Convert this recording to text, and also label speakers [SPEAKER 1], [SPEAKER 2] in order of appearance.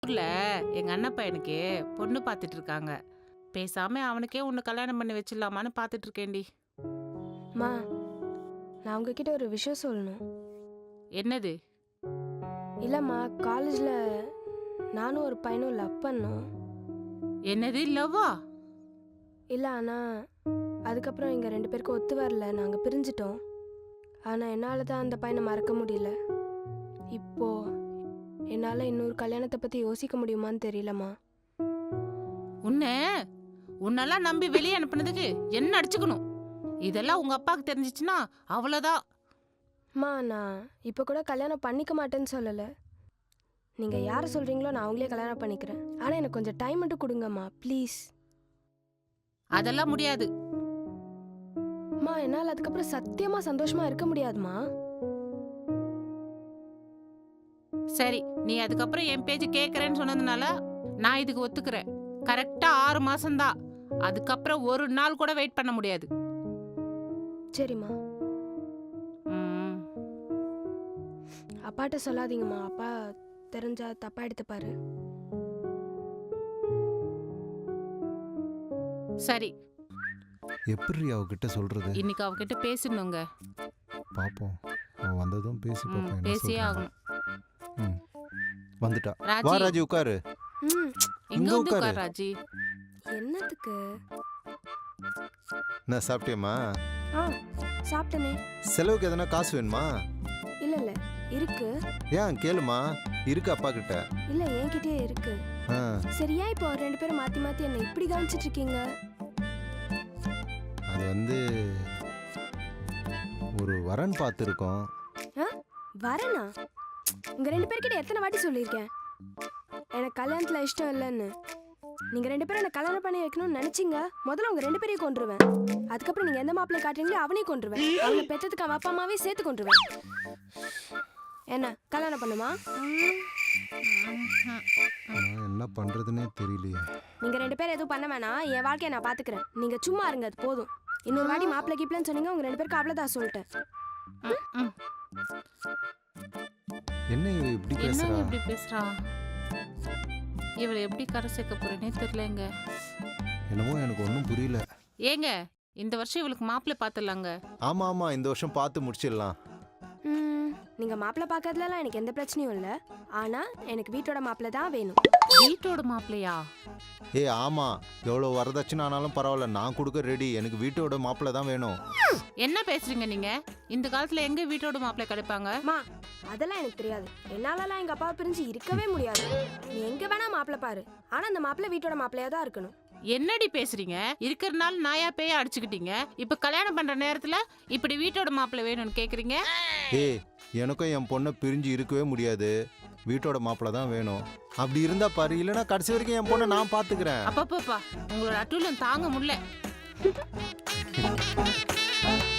[SPEAKER 1] ஊர்ல எங்க அண்ணன் பையனுக்கு பொண்ணு பார்த்துட்டு இருக்காங்க. பேசாம அவனுக்கே உன்னை கல்யாணம் பண்ணி வச்சிடலாமான்னு பார்த்துட்டு இருக்கேன்டி.
[SPEAKER 2] மா, நான் உங்ககிட்ட ஒரு விஷயம் சொல்லணும்.
[SPEAKER 1] என்னது?
[SPEAKER 2] இல்லைம்மா, காலேஜில் நானும் ஒரு பையனும் லவ் பண்ணோம்.
[SPEAKER 1] என்னது லவ்வா?
[SPEAKER 2] இல்லை, ஆனால் அதுக்கப்புறம் எங்கள் 2 பேருக்கும் ஒத்து வரல, நாங்கள் பிரிஞ்சிட்டோம். ஆனால் என்னால் தான் அந்த பையனை மறக்க முடியல. இப்போ என்னால் இன்னொரு கல்யாணத்தை பற்றி யோசிக்க முடியுமான்னு தெரியலம்மா.
[SPEAKER 1] உன்னெல்லாம் நம்பி வெளியே அனுப்புனதுக்கு என்ன அடிச்சுக்கணும்? இதெல்லாம் உங்க அப்பாவுக்கு தெரிஞ்சிச்சுன்னா அவ்வளோதான்.
[SPEAKER 2] அம்மா, நான் இப்போ கூட கல்யாணம் பண்ணிக்க மாட்டேன்னு சொல்லலை. நீங்கள் யாரை சொல்கிறீங்களோ நான் அவங்களே கல்யாணம் பண்ணிக்கிறேன். ஆனால் எனக்கு கொஞ்சம் டைம் மட்டும் கொடுங்கம்மா, ப்ளீஸ்.
[SPEAKER 1] அதெல்லாம் முடியாது.
[SPEAKER 2] அம்மா, என்னால் அதுக்கப்புறம் சத்தியமாக சந்தோஷமாக இருக்க முடியாதுமா.
[SPEAKER 1] சரி, நீ அதுக்கப்புறம் என் பேச்சு கேட்கறேன்னு சொன்னதுனால நான் இதுக்கு ஒத்துக்கிறேன். கரெக்டா 6 மாசம்தான். அதுக்கப்புறம் ஒரு நாள் கூட வெயிட் பண்ண முடியாது.
[SPEAKER 2] சரிம்மா.
[SPEAKER 1] ம்,
[SPEAKER 2] அப்பாட்ட சொல்லாதீங்கம்மா, அப்பா தெரிஞ்சா தப்பா எடுத்துப்பாரு.
[SPEAKER 1] சரி,
[SPEAKER 3] எப்படி அவகிட்ட சொல்றது?
[SPEAKER 1] இன்னைக்கு அவகிட்ட பேசணுங்க.
[SPEAKER 3] பாப்போம், அவன் வந்ததும் பேசி பார்ப்போம். என்ன
[SPEAKER 1] பேசியே
[SPEAKER 3] சொல்றான்னு.
[SPEAKER 1] ஆகணும்.
[SPEAKER 3] ம், வந்துட்டா. வா
[SPEAKER 1] ராஜி,
[SPEAKER 3] ராஜி, உட்காரு.
[SPEAKER 2] ம்.
[SPEAKER 1] இங்க
[SPEAKER 3] இங்க
[SPEAKER 1] வந்து
[SPEAKER 3] உட்காரு.
[SPEAKER 1] உட்கார் ராஜி.
[SPEAKER 2] என்னத்துக்கு?
[SPEAKER 3] என்ன சாப்பிட்டியம்மா?
[SPEAKER 2] ஆ, சாப்பிட்டனே.
[SPEAKER 3] செலவுக்கு எதனா காசு வேணுமா?
[SPEAKER 2] இல்ல இல்ல, இருக்கு.
[SPEAKER 3] ஏன் கேளுமா, இருக்கு அப்பா கிட்ட.
[SPEAKER 2] இல்ல, என்கிட்டயே இருக்கு.
[SPEAKER 3] ஆ,
[SPEAKER 2] சரியா, இப்போ 2 பேரும் மாத்தி மாத்தி என்ன இப்படி கவனிச்சிட்டு இருக்கீங்க?
[SPEAKER 3] அது வந்து ஒரு வரன் பார்த்துருக்கோம்.
[SPEAKER 2] வரனா? உங்க 2 பேர்கிட்ட எத்தனை வாட்டி சொல்லியிருக்கேன் எனக்கு கல்யாணத்துல இஷ்டம் இல்லைன்னு. நீங்க 2 பேரும் என்ன கல்யாணம் பண்ணி வைக்கணும்னு நினைச்சீங்க. முதல்ல உங்க 2 பேரையும் கொன்றுவேன். அதுக்கப்புறம் நீங்க எந்த மாப்பிள்ளை காட்டுறீங்களோ அவனையும் கொன்றுவேன். அவனை பெற்றதுக்கு அவன் அப்பா அம்மாவே சேர்த்து கொன்றுவேன். என்ன கல்யாணம் பண்ணுமா?
[SPEAKER 3] நான் என்ன பண்றதுன்னே தெரியலையே.
[SPEAKER 2] நீங்க 2 பேரும் எதுவும் பண்ண வேணாம், என் வாழ்க்கையை நான் பாத்துக்கிறேன். நீங்க சும்மா இருங்க, அது போதும். இன்னொரு வாட்டி மாப்பிள்ளை கீப்பிள்ளைன்னு சொன்னீங்க, உங்க 2 பேருக்கு அவ்வளவுதான் சொல்லிட்டேன்.
[SPEAKER 1] ம்,
[SPEAKER 3] என்ன இவ இப்படி
[SPEAKER 1] என்ன
[SPEAKER 3] பேசுறா?
[SPEAKER 1] இப்படி பேசுறா? இவளை எப்படி கரை சேர்க்க போறேனே தெரியலங்க.
[SPEAKER 3] என்னமோ எனக்கு ஒன்றும் புரியல.
[SPEAKER 1] ஏங்க, இந்த வருஷம் இவளுக்கு மாப்பிள்ளை பார்த்துடலாங்க.
[SPEAKER 3] ஆமா ஆமா, இந்த வருஷம் பார்த்து முடிச்சிடலாம்.
[SPEAKER 2] நீங்க மாப்பிள்ளை பார்க்கறதுலாம் எனக்கு எந்த பிரச்சனையும் இல்லை. ஆனா எனக்கு வீட்டோட மாப்பிள்ளை தான் வேணும்.
[SPEAKER 1] வீட்டோட மாப்பிள்ளையா?
[SPEAKER 3] ஆமா, எவ்வளோ வரதட்சணை ஆனாலும் பரவாயில்ல, நான் கொடுக்க ரெடி. எனக்கு வீட்டோட மாப்பிள்ளை தான் வேணும்.
[SPEAKER 1] என்ன பேசுறீங்க நீங்க? இந்த காலத்துல எங்க வீட்டோட மாப்பிள்ளை கிடைப்பாங்க?
[SPEAKER 2] மா, அதெல்லாம் எனக்கு தெரியாது. என்னாலலாம் எங்க அப்பாவை பிரிஞ்சு இருக்கவே முடியாது. நீ எங்க வேணா மாப்பிள்ளை பாரு, ஆனா அந்த மாப்பிள்ளை வீட்டோட மாப்பிள்ளையா தான் இருக்கணும்.
[SPEAKER 1] என்னடி பேசுறீங்க? இருக்கிறனால நாயா பேயா அடிச்சுக்கிட்டீங்க. இப்ப கல்யாணம் பண்ற நேரத்துல இப்படி வீட்டோட மாப்பிள்ளை வேணும்னு கேக்குறீங்க?
[SPEAKER 3] எனக்கும் என் பொண்ணை பிரிஞ்சு இருக்கவே முடியாது. வீட்டோட மாப்பிள்ளை தான் வேணும். அப்படி இருந்தா பாரு, இல்லைன்னா கடைசி வரைக்கும் என் பொண்ணை நான் பாத்துக்கிறேன்.
[SPEAKER 1] அப்பப்பா, உங்களோட அட்டூழியம் தாங்க முடியல.